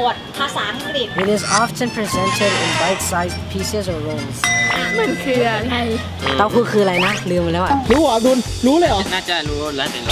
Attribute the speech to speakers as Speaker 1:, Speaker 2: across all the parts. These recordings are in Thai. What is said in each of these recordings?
Speaker 1: ทย์ภาษาอังกฤษ
Speaker 2: It is often presented in bite-sized pieces or rolls.
Speaker 3: มันคืออะไร
Speaker 2: เต้าหู้คืออะไรนะ ลืมไปแล้วอ่ะ
Speaker 4: รู้เหรอดุลรู้เลยเหรอ
Speaker 5: น่าจะรู้แล้วแต่เรา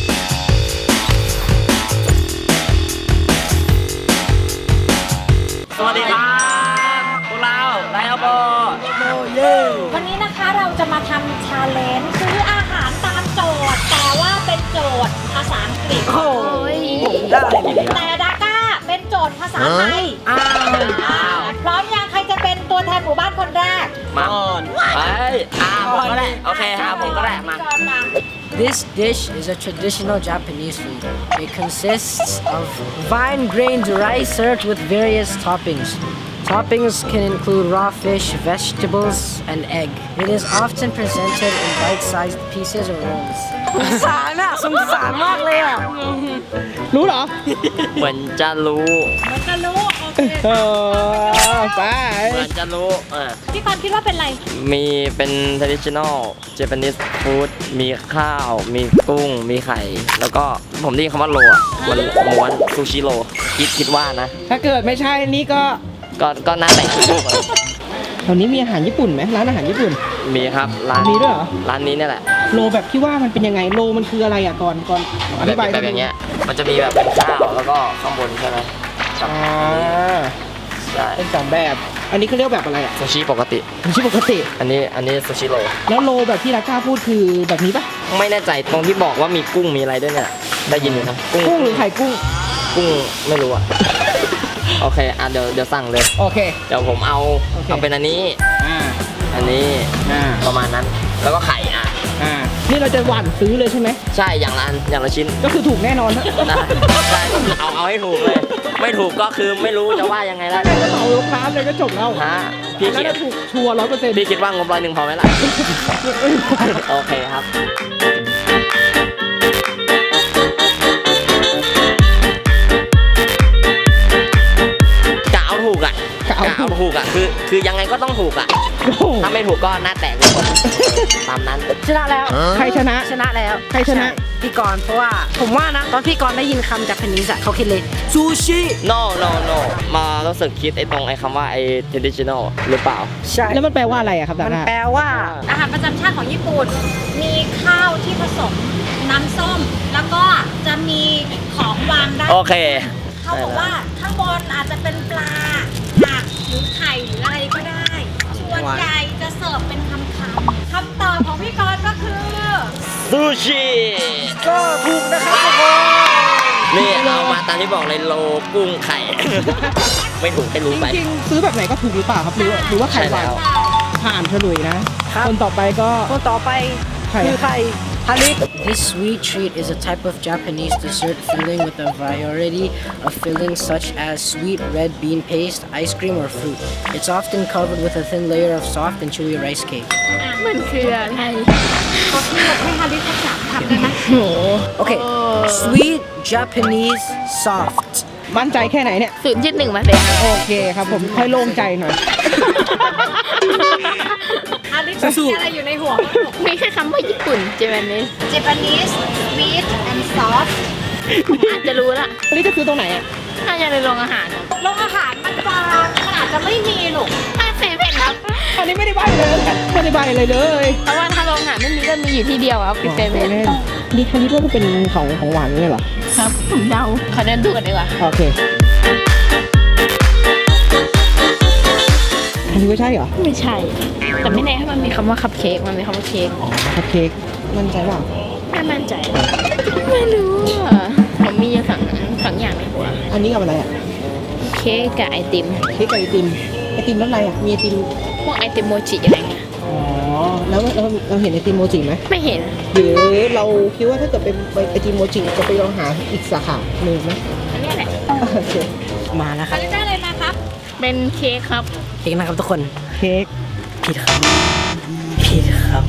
Speaker 6: สวัสดีครับพวกเราไลออโบ
Speaker 1: วันนี้นะคะเราจะมาทำชาเลนจ์ซื้ออาหารตามโจทย์ แต่ว่าเป็นโจทย์ภาษาอังกฤษ
Speaker 2: โอ้ยผมได้
Speaker 1: แต่ดาก้าเป็นโจทย์ภาษาไทย
Speaker 2: อ้าว
Speaker 1: พร้อมยังใครจะเป็นตัวแทนหมู่บ้านคนแรก
Speaker 6: มาไปผมก็ได้โอเคผมก็ได้มา
Speaker 1: ก่อนมา
Speaker 2: This dish is a traditional Japanese food. It consists of fine grained rice served with various toppings. Toppings can include raw fish, vegetables, and egg. It is often presented in bite-sized pieces or rolls. สงสารอ่ะสงสารมากเลยอ่ะ
Speaker 4: รู้เหรอ
Speaker 6: เหมือนจะรู้
Speaker 1: มันจะรู้โอเค
Speaker 4: ไป
Speaker 6: เหมือนจะรู้
Speaker 1: พี่กรณ์คิดว่าเป็นอะไร
Speaker 6: มีเป็น traditional Japanese food มีข้าว มีกุ้ง มีไข่ แล้วก็ผมได้ยินคำว่าโรอ่ะมันม้วนซูชิโรคิดว่านะ
Speaker 4: ถ้าเกิดไม่ใช่นี่ก็
Speaker 6: ก็น่าแต่ง
Speaker 4: แถวนี้มีอาหารญี่ปุ่นไหมร้านอาหารญี่ปุ่น
Speaker 6: มีครับร้าน
Speaker 4: มีด้วยเหรอ
Speaker 6: ร้านนี้เนี่ยแหละ
Speaker 4: โลแบบที่ว่ามันเป็นยังไงโลมันคืออะไรอ่ะก่อนอธิบาย
Speaker 6: แบบอย่างเงี้ยมันจะมีแบบเป็นข้าวแล้วก็ข้างบนใช่ไหม
Speaker 4: อ่า
Speaker 6: ใช่
Speaker 4: เป็นสองแบบ อันนี้เขาเรียกแบบอะไรอ่ะ
Speaker 6: ซูชิปกติ
Speaker 4: ไม่ใช่ปกติ
Speaker 6: อันนี้ซูชิโร
Speaker 4: แล้วโลแบบที่ราคาพูดคือแบบนี้ปะ
Speaker 6: ไม่แน่ใจตรงที่บอกว่ามีกุ้งมีอะไรด้วยเนี่ยได้ยินอยู่นะ
Speaker 4: กุ้งหรือไข่กุ้ง
Speaker 6: กุ้งไม่รู้อ่ะ โอเคเดี๋ยวสั่งเลย
Speaker 4: โอเค
Speaker 6: เดี๋ยวผมเอา
Speaker 4: โอเค
Speaker 6: เอาเป็นอันนี้
Speaker 4: อ่า
Speaker 6: อันนี้
Speaker 4: อ่า
Speaker 6: ประมาณนั้น แล้วก็ไข่
Speaker 4: นี่เราจะหว่านซื้อเลยใช่ไหม
Speaker 6: ใช่อย่างละชิ้น
Speaker 4: ก็คือถูกแน่นอนนะ
Speaker 6: ได้ใช่ก็คือเอาให้ถูกเลย ไม่ถูกก็คือไม่รู้จะว่ายังไงแล้ว
Speaker 4: แค่จะเหมาลูกค้าเลยก็จบแล้ว
Speaker 6: ฮะพี่
Speaker 4: แล้ว
Speaker 6: คิด
Speaker 4: ถ้าถูกชัวร์100%
Speaker 6: พี่คิดว่างบ100พอไหมล่ะ โอเคครับ กะเอาถูกอ่ะคือยังไงก็ต้องถูกอ่ะ
Speaker 4: โอ้โห
Speaker 6: ถ้าไม่ถูกก็หน้าแตกทุกคนตามนั้น
Speaker 2: ชนะแล้ว
Speaker 4: ใครชนะ
Speaker 2: ชนะแล้ว
Speaker 4: ใครชนะ
Speaker 2: ช่พี่กรณ์เพราะว่าผมว่านะ ตอนพี่กรณ์ได้ยินคำจากพนิสอะเขาคิดเลยซูชิ
Speaker 6: no มารู้สึกคิดไอ้ตรงไอ้คำว่าไอ้ traditional หรือเปล่า
Speaker 2: ใช่
Speaker 4: แล้วมันแปลว่าอะไรอะครับ
Speaker 2: มัน
Speaker 4: ดา
Speaker 2: แปลว่า
Speaker 1: อาหารประจำชาติของญี่ปุ่น มีข้าวที่ผสมน้ำส้ม แล้วก็จะมีของวางได้
Speaker 6: โอเค
Speaker 1: เขาบอกว่าข้างบนอาจจะเป็นปลาผักหรือไข่หรืออะไรก็ได้ ส่วนใหญ่จะเสิร์ฟเป็นคำคำตอบของพี่กรณ์ก็คือ
Speaker 6: ซูชิ
Speaker 2: ก็ถูกนะครับทุกคน
Speaker 6: นี่เอามาตามที่บอกเลยโลกุ้งไข่ ไม่ถูกให้รู้ไป
Speaker 4: จริงๆซื้อแบบไหนก็ถูกหรือเปล่าครับหรือว่าใคร
Speaker 6: ใช่
Speaker 4: วา
Speaker 6: แล้
Speaker 4: ง
Speaker 6: ว
Speaker 4: ผ่านเฉลยนะ คนต่อไปก็
Speaker 2: คนต่อไป
Speaker 4: ไข่
Speaker 2: คือใครฮาริ This sweet treat is a type of Japanese dessert filling with a variety of fillings such as sweet red bean paste, ice cream, or fruit. It's often covered with a thin layer of soft and chewy rice cake.
Speaker 3: มันคืออะไร
Speaker 1: เขาที่ให้ฮาริทักษะทำได้ไหม
Speaker 2: Okay, sweet Japanese soft.
Speaker 4: มั่นใจแค่ไหนเนี่ย
Speaker 3: 0.1มาเลย
Speaker 4: โอเคครับผมค่อยโล่งใจหน่อย
Speaker 1: ฮาริมีอะไรอยู่ในหัวบ้างลูก
Speaker 3: มีแค่คำว่าญี่ปุ่นเจแปนนิส
Speaker 1: Japanese sweet and soft
Speaker 3: อาจจะรู้ละ
Speaker 4: อันนี้จะซื้อตรงไหนอ่ะ
Speaker 3: น่าจะในโรงอาหาร
Speaker 1: โรงอาหารมันอาจจะไม่มีลูก
Speaker 3: ถ้าเซเว่นครับ
Speaker 4: อันนี้ไม่ได้ใบเลยไม่ได้ใบเลยเลย
Speaker 3: เพราะว่าถ้าโรงอาหารไม่มีก็มีอยู่ที่เดียวครับคือเซเว่น
Speaker 4: นี่คันนี้ก็เป็นของหวานนี่เหรอ
Speaker 3: ครับผมเดาขอเดินดูกันดีกว่า
Speaker 4: โอเคอันนี้ไม่ใช่เหรอ
Speaker 3: ไม่ใช่ แต่ไม่แน่ถ้ามันมีคำว่าคัพเค้กมันมีคำว่าเค้ก
Speaker 4: คัพเค้กมั่นใจเปล่า
Speaker 3: ไม่มั่นใจ ไม่รู้อ่ะผมมีอยู่สองอย่างในหัว
Speaker 4: อันนี้กับอะไรอ่ะ
Speaker 3: เค้กกับไอติม
Speaker 4: เค้กกับไอติมรสอะไรอ่ะมีไอติม
Speaker 3: พวกไอติมโมจิอะไรเงี้ย
Speaker 4: อ๋อแล้วเราเห็นไอติมโมจิไหม
Speaker 3: ไม่เห็น
Speaker 4: หรือเราคิดว่าถ้าเกิดเป็นไอติมโมจิจะไปลองหาอีกสาขาหนึ่งไหม
Speaker 3: อันนี้แหละ
Speaker 4: โอเค
Speaker 2: มาแล้วค
Speaker 1: ฮา
Speaker 2: รับ
Speaker 1: ริได้อะไรมาครับ
Speaker 3: เป็นเค้กครับ
Speaker 2: เค้กนะครับทุกคน
Speaker 4: เค้ก
Speaker 2: ผิดครับผิดครับ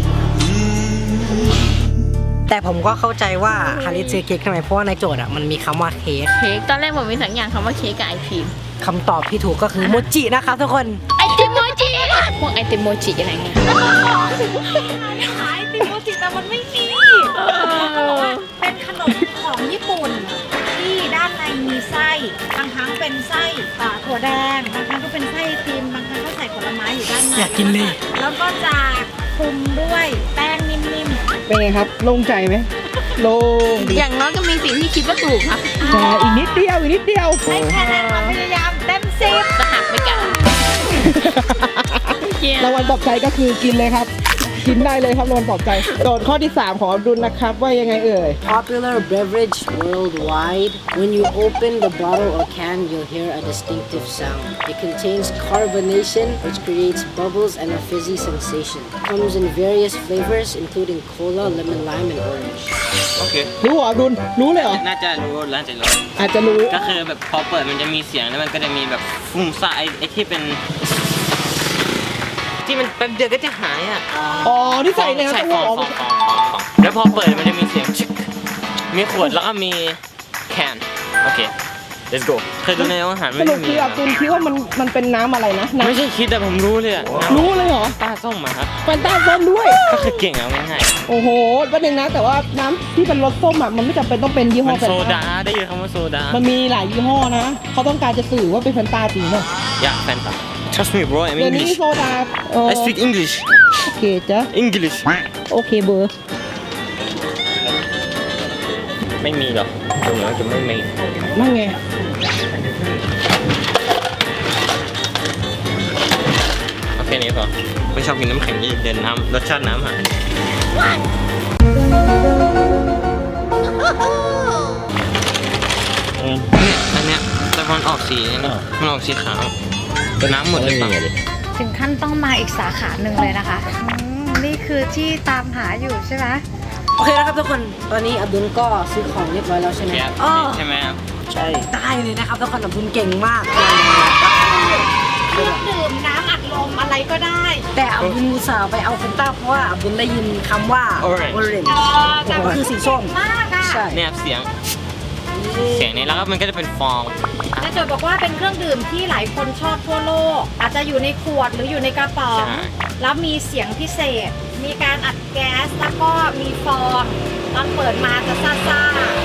Speaker 2: แต่ผมก็เข้าใจว่าฮาริซื้อเค้กทำไมเพราะว่าในโจทย์อะมันมีคำว่าเค้ก
Speaker 3: เค้กตอนแรกผมมีสองอย่างคำว่าเค้กกับไอติม
Speaker 2: คำตอบที่ถูกก็คือโมจินะครับทุกคน
Speaker 3: ไอติมโมจิพวกไอติมโมจิอะไรเงี้ย
Speaker 1: ขายติโมจิแต่มันไม่มีเป็นขนมของญี่ปุ่น ที่ด้านในมีไส้บางครั้งเป็นไส้ถั่วแดงบางครั้งก็เป็นไส้ไอติมบางครั้งก็ใส่ผลไม้อยู่ด้านใน
Speaker 2: อยากกินเลย
Speaker 1: แล้วก็จะคลุมด้วยแป้งนิ่ม
Speaker 4: เป็นไงครับโล่งใจไหมโล่ง
Speaker 3: อย่างน้อยก็มีสิ่งที่คิดว่าถูกครับ
Speaker 4: แต่อีกนิดเดียวอีกนิดเดียว
Speaker 1: ๆให้คะแนนความพยายามเต็ม10
Speaker 3: จะหักไปกัน
Speaker 4: รางวัลปลอบใจก็คือกินเลยครับ กินได้เลยครับรางวัลปลอบใจโจทย์ข้อที่ 3 ของอับดุลนะครับว่ายังไงเอ่ย
Speaker 2: Popular beverage worldwide. When you open the bottle or can, you'll hear a distinctive sound. It contains carbonation, which creates bubbles and a fizzy sensation. Comes in various flavors, including cola, lemon, lime, and orange.
Speaker 5: โอเค
Speaker 4: รู้เหรออับดุลรู้เลยเหรอ
Speaker 5: น่าจะรู้น่าจะรู้
Speaker 4: อาจจะรู้
Speaker 5: ก็คือแบบพอเปิดมันจะมีเสียงแล้วมันก็จะมีแบบฟุ้งซ่าไอ้ที่เป็น ที่มันแป๊บเดียวก็จะหายอ่ะ
Speaker 4: อ๋อที่ใส่ใน
Speaker 5: ใช่
Speaker 4: ตู้
Speaker 5: ฟองแล้วพอเปิดมันจะมีเสียงชึกมีขวดแล้วก็มีแคนโอเค let's go เคยดูในอาหาร
Speaker 4: ส
Speaker 5: ไม่
Speaker 4: รุ
Speaker 5: ได้
Speaker 4: ป
Speaker 5: มี
Speaker 4: คืออับดุลคิดว่ามันเป็นน้ำอะไรนะน้
Speaker 5: ไม่ใช่คิดแต่ผมรู้เลยอ่ะ
Speaker 4: ำรู้เลยเหรอ
Speaker 5: ป้าส้มมาครับ
Speaker 4: แฟนตาส้มด้วย
Speaker 5: ก็คือเก่งเอาง่าย
Speaker 4: โอ้โหประเด็นนะแต่ว่าน้ำที่เป็นรสส้มอ่ะมันไม่จำเป็นต้องเป็นยี่
Speaker 5: ๆ
Speaker 4: ห้
Speaker 5: มั
Speaker 4: อน แฟน
Speaker 5: โซ
Speaker 4: ตา
Speaker 5: ดาได้ยินคำว่าโซดา
Speaker 4: มันมีหลายยี่ห้อนะเขาต้องการจะสื่อว่าเป็นแฟนตาจริงเนอะ
Speaker 5: อยากแฟนตา trust me bro I'm
Speaker 4: เดี๋ยวนี้
Speaker 5: English
Speaker 4: โซดา
Speaker 5: I speak English
Speaker 4: โอเคจ้ะ
Speaker 5: English
Speaker 4: โอเคเบอร์
Speaker 5: ไม่มีหรอกตรงนั้นจะไม่มี
Speaker 4: นั่นไง
Speaker 5: เอาแค่นี้พอไม่ชอบกินน้ำแข็งเย็นๆน้ำรสชาติน้ำหายเนี่ยอันเนี้ยแต่มันออกสีนี่มันออกสีขาวแต่น้ำหมดเลยเปล่า
Speaker 1: ถึงขั้นต้องมาอีกสาขาหนึ่งเลยนะคะนี่คือที่ตามหาอยู่ใช่ไหม
Speaker 2: โอเคนะครับทุกคน ตอนนี้อับดุลก็ซื้อของเรียบร้อยแล้วใช่ไหม
Speaker 5: ครับ
Speaker 2: อ๋อ
Speaker 5: ใช่ไหมครับ
Speaker 2: ใช่ ได้เลยนะครับทุกคนอับดุลเก่งมาก
Speaker 1: เครื่องดื่มน้ำอัดลมอะไรก็ได้
Speaker 2: แต่อับดุลอุตส่าห์ไปเอาเฟนต้าเพราะว่าอับดุลได้ยินคำว่า orange
Speaker 1: แต่
Speaker 2: ก็คือสีส้ม
Speaker 1: มากอ่ะ
Speaker 2: ใช่
Speaker 5: เนี่ยเสียงนี้แล้วก็มันก็จะเป็นฟอง
Speaker 1: และโจทย์บอกว่าเป็นเครื่องดื่มที่หลายคนชอบทั่วโลก อาจจะอยู่ในขวดหรืออยู่ในกระป๋อง
Speaker 5: ใช่
Speaker 1: แล้วมีเสียงพิเศษ มีการอัดแก๊สแล้วก็มีฟองตอนเปิดมาจะซ่า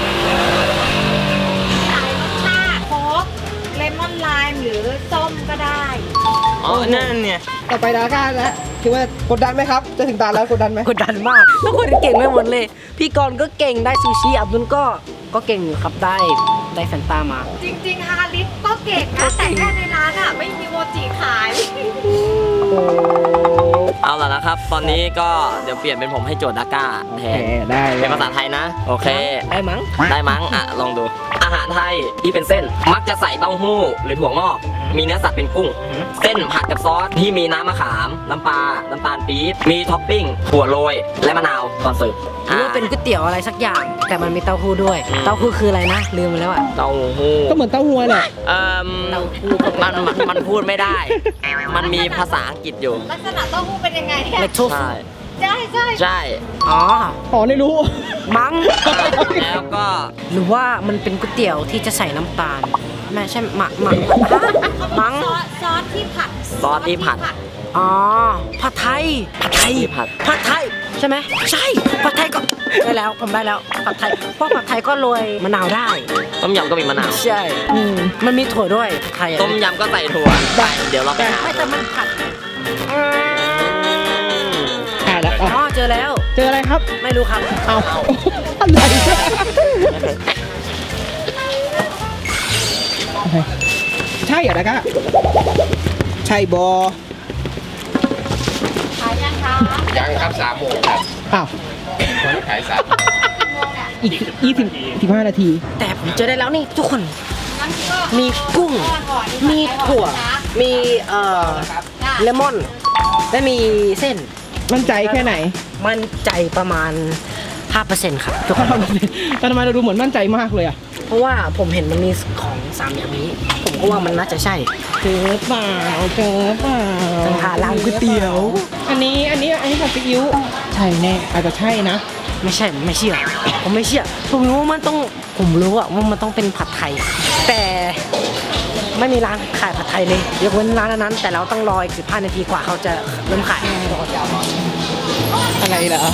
Speaker 1: ๆหลายรสชาติโค้กเลมอนไลม์หรือส้มก็ได้
Speaker 5: อ๋อนั่นเนี่ย
Speaker 4: ต่อไปดาก้าแล้วคิดว่ากดดันไหมครับ จะถึงตาแล้วกดดันไหม
Speaker 2: กดดันมาก ทุกคนเก่งไปหมดเลย พี่กรณ์ก็เก่งได้ซูชิอับดุลก็เก่งอยู่ครับได้แฟนตามา
Speaker 1: จริงๆฮาริสก็เก่งนะแต่แค่ในร้านอ่ะไม่มีโมจิขาย
Speaker 6: เอาล่ะนะครับ ตอนนี้ก็เดี๋ยวเปลี่ยนเป็นผมให้โจทย์ดาก้าแท
Speaker 4: โอเคน ได้เล
Speaker 6: เป็
Speaker 4: ย
Speaker 6: นภาษาไทยนะ โอเค
Speaker 2: ได้มั้ง
Speaker 6: ได้มั้งอ่ะ ลองดู อาหารไทยที่เป็นเส้น มักจะใส่เต้าหู้หรือถั่วงอก มีเนื้อสัตว์เป็นกุ้ง เส้นผัดกับซอสที่มีน้ำมะขาม น้ำปลา น้ำตาลปี๊บ มีท็อปปิ้ง ถั่วโรย และมะนาวตอนเสิร์ฟ
Speaker 2: หรือว่าเป็นก๋วยเตี๋ยวอะไรสักอย่าง แต่มันมีเต้าหู้ด้วย เต้าหู้คืออะไรนะ ลืมไปแล้วอ่ะ
Speaker 6: เต้าหู้
Speaker 4: ก็เหมือนเต้าหู้แหละ
Speaker 2: เต้าหู้ก็เป็น
Speaker 6: มันพูดไม่ได้ มันมีภาษาอังกฤษอยู่
Speaker 1: ลักษณะเต้าหู้เป็นยังไง
Speaker 2: เล็กโท
Speaker 6: ใช่
Speaker 1: ใช่ใช่
Speaker 6: ใช่
Speaker 2: อ๋อ
Speaker 4: อ๋อไม่รู้
Speaker 2: มั้ง
Speaker 6: แล้วก็
Speaker 2: หรือว่ามันเป็นก๋วยเตี๋ยวที่จะใส่น้ำตาลไม่ใช่หมักมั้ง
Speaker 1: ซอสที่ผัด
Speaker 6: ซอสที่ผัด
Speaker 2: อ๋อ ผัดไทย
Speaker 6: ที่ผัด
Speaker 2: ผัดไทย ใช่ไหม ใช่ ผัดไทยก็ได้แล้ว ผมได้แล้ว ผัดไทย เพราะผัดไทยก็โรยมะนาวได้
Speaker 6: ต้มยำก็มีมะนาว
Speaker 2: ใช่ มันมีถั่วด้วยผัดไทยอะ
Speaker 6: ต้มยำก็ใส่ถั่วได้เดี๋ยวเราไปหา
Speaker 2: ไม่แต่มันผัด
Speaker 4: ใช่แล้ว
Speaker 2: อ๋อ เจอแล้ว
Speaker 4: เจออะไรครับ
Speaker 2: ไม่รู้ครับ
Speaker 4: เอาอะไรใช่เหรอดาก้าใช่บอ
Speaker 1: ขายยังคะ
Speaker 7: ยังครับ3 โมงครับ
Speaker 4: อ้าว
Speaker 7: วันขาย3 โมง
Speaker 4: อีก15 นาที
Speaker 2: แต่ผมเจอได้แล้วนี่ทุกคน
Speaker 1: งั้นก็
Speaker 2: มีกุ้ง มีถั่ว มีเลมอน และมีเส้น
Speaker 4: มั่นใจแค่ไหน
Speaker 2: มั่นใจประมาณ 5%ครับทุกคน
Speaker 4: แต่ทำไมเราดูเหมือนมั่นใจมากเลยอ่ะ
Speaker 2: เพราะว่าผมเห็นมันมีของ3อย่างนี้ ผมก็ว่ามันน่าจะใช่
Speaker 4: เจอเปล่าเจอเปล่า
Speaker 2: สังหาร้านก๋วยเตี๋ยว
Speaker 4: อันนี้ผัดซีอิ๊วใช่แน่อาจจะใช่นะ
Speaker 2: ไม่ใช่ไม่เชื่อ ผมไม่เชื่อ ผมรู้ว่ามันต้อง ผมรู้อะว่ามันต้องเป็นผัดไทย แต่ไม่มีร้านขายผัดไทยเลยยกเว้นร้านนั้น แต่เราต้องรออีก15 นาทีกว่าเขาจะเริ่มขาย
Speaker 4: อะไรเหรอ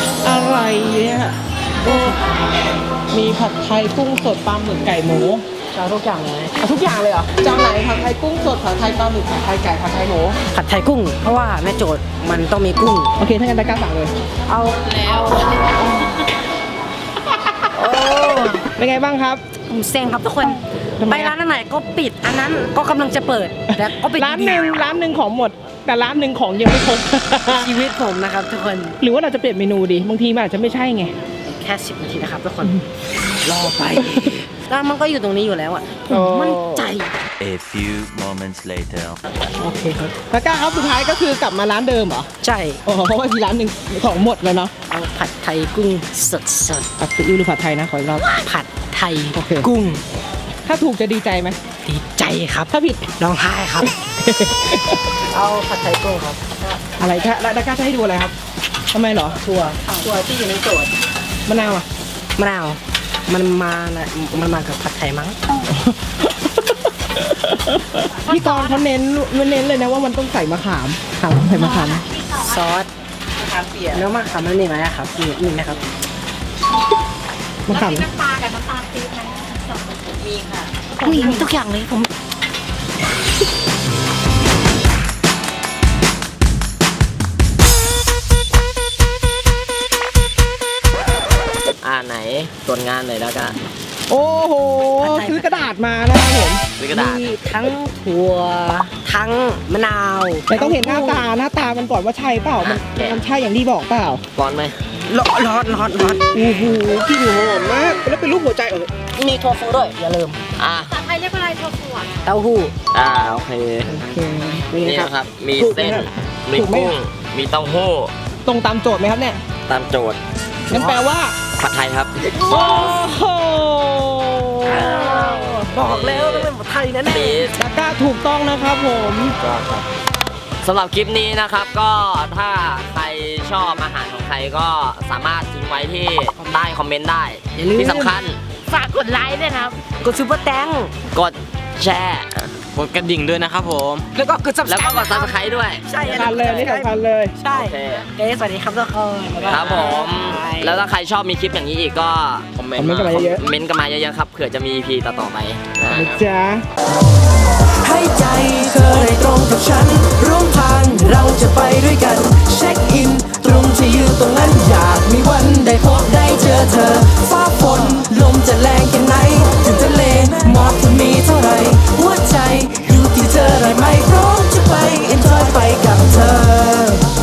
Speaker 4: อะไรเนี่ยโอ้มีผัดไทยกุ้งสดปลาหมึกไก่หมู
Speaker 2: จะเอาทุกอย่างเลย
Speaker 4: เอาทุกอย่างเลยเหรอจานไหนผัดไทยกุ้งสดผัดไทยปลาหมึกผัดไทยไก่ผัดไทยหมู
Speaker 2: ผัดไทยกุ้ง เพราะว่าแม่โจทย์มันต้องมีกุ้ง
Speaker 4: โอเคถ้างั้นตะกร้าสั่งเลย
Speaker 2: เอาแล้ว โอ้
Speaker 4: เป็นไงบ้างครับ
Speaker 2: ผมเซ็งครับทุกคน
Speaker 4: ทำไม
Speaker 2: ไป
Speaker 4: อะ
Speaker 2: ร้านไหนก็ปิด อันนั้นก็กำลังจะเปิดแต่ก็ปิด
Speaker 4: ร้านหนึ่งของหมด แต่ร้านหนึ่งของยังไม่ครบ
Speaker 2: ชีวิตผมนะครับทุกคน
Speaker 4: หรือว่าเราจะเปลี่ยนเมนูดีบางทีมันอาจจะไม่ใช่ไง
Speaker 2: แค่10 นาทีนะครับทุกคน รอไปร้านมันก็อยู่ตรงนี้อยู่แล้วอ่ะผ
Speaker 4: โอ้
Speaker 2: มมั่นใจ
Speaker 8: A few moments later.
Speaker 4: โอเคครับตะกร้าครับสุดท้ายก็คือกลับมาร้านเดิมเหรอ
Speaker 2: ใช่
Speaker 4: อ๋อเพราะว่าที่ร้านหนึ่งของหมดแล้วเนาะ
Speaker 2: เอาผัดไทยกุ้งสด
Speaker 4: ผัดซีอิ๊วหรือผัดไทยนะขออีกรอบ
Speaker 2: ๆผัดไทย
Speaker 4: โอเค
Speaker 2: กุ้ง
Speaker 4: ถ้าถูกจะดีใจไหม
Speaker 2: ดีใจครับ
Speaker 4: ถ้าผิด
Speaker 2: ร้องไห้ครับ เอาผัดไทยกุ้งครับ
Speaker 4: อะไรคะแล้วตะกร้าจะให้ดูอะไรครับทำไมเหรอ
Speaker 2: ถั่วที่อยู่ในโจทย์
Speaker 4: มะนาวอ่ะ
Speaker 2: มะนาวมันมากับผัดไทยมั้ง
Speaker 4: พี่กรณ์เขาเน้นเลยนะว่ามันต้องใส่มะขามใส่มะขาม
Speaker 2: ซอสเนื้อมะขามมันมีไหมอะครับมีไหมครับ
Speaker 4: มะขาม
Speaker 1: มีน้ำปลากับน้ำตาลปี๊บไหมมีค่ะ
Speaker 2: มีทุกอย่างเลยผม
Speaker 6: ไหนตรวจงานหน่อยแล้วกัน
Speaker 4: โอ้โหซื้อกระดาษมานะครับผม
Speaker 6: ซื้อกระดาษ
Speaker 2: มีทั้งถั่วทั้งมะนาว
Speaker 4: แต่ต้องเห็นหน้าตามันก่อนว่าใช่เปล่ามันใช่อย่างที่บอกเปล่า
Speaker 6: ร้อนไหม
Speaker 2: ร้อน
Speaker 4: โอ้โหกลิ่นหอมมากแล้วเป็นรูปหัวใจ
Speaker 2: มีถั่วฟูด้วยอย่าลืม
Speaker 6: อ่ะ
Speaker 1: ภาษาไทยเรียกว่าอะไรถั่วฝัว
Speaker 2: เต้าหู้
Speaker 6: โอเค
Speaker 4: โอเค
Speaker 2: นี่
Speaker 6: นี่
Speaker 2: นะครับ
Speaker 6: นะครับ มี
Speaker 4: ถูกไหม
Speaker 6: เส้น
Speaker 4: ครับ
Speaker 6: มี
Speaker 4: ถูกไหม
Speaker 6: กุ้ง มีเต้าหู้
Speaker 4: ตรงตามโจทย์ไหมครับเนี่ย
Speaker 6: ตามโจทย์
Speaker 4: งั้นแปลว่า
Speaker 6: ผัดไทยครับ
Speaker 4: โอ้โห
Speaker 2: บอกแล้วต้องเป็นผัดไทยแน่
Speaker 6: ปี๊ด
Speaker 4: ตะกร้าถูกต้องนะครับผม
Speaker 6: สำหรับคลิปนี้นะครับก็ถ้าใครชอบอาหารของใครก็สามารถทิ้งไว้ที่ใต้คอมเมนต์ได้ ที่สำคัญ
Speaker 3: ฝากกดไลค์ด้วยนะครับ
Speaker 2: ๆกดซุปเปอร์แตง
Speaker 6: กดแชร์
Speaker 5: กดกระดิ่งด้วยนะครับผม
Speaker 2: แล้วก็กด
Speaker 6: แล้วก็กด
Speaker 2: subscribe
Speaker 6: subscribe ด้วย
Speaker 2: ใช่
Speaker 4: สำคัญเลยนี่สำคัญเลย
Speaker 2: ใช่
Speaker 6: โอเค
Speaker 2: เกสวัสดีครับทุกคนายาย
Speaker 6: ครับผม แล้วถ้าใครชอบมีคลิปอย่างนี้อีกก็
Speaker 5: คอมเมน
Speaker 4: คอม
Speaker 5: ต์
Speaker 4: เมนต์กันมาเยอะ
Speaker 6: เม้นต์กันมาเยอะๆครับเผื่อจะมี EP ต่อๆไปนะ
Speaker 4: นะจ๊ะ
Speaker 9: ให้ใจเธอได้ตรงกับฉัน ร่วมทางเราจะไปด้วยกัน เช็คอินตรงที่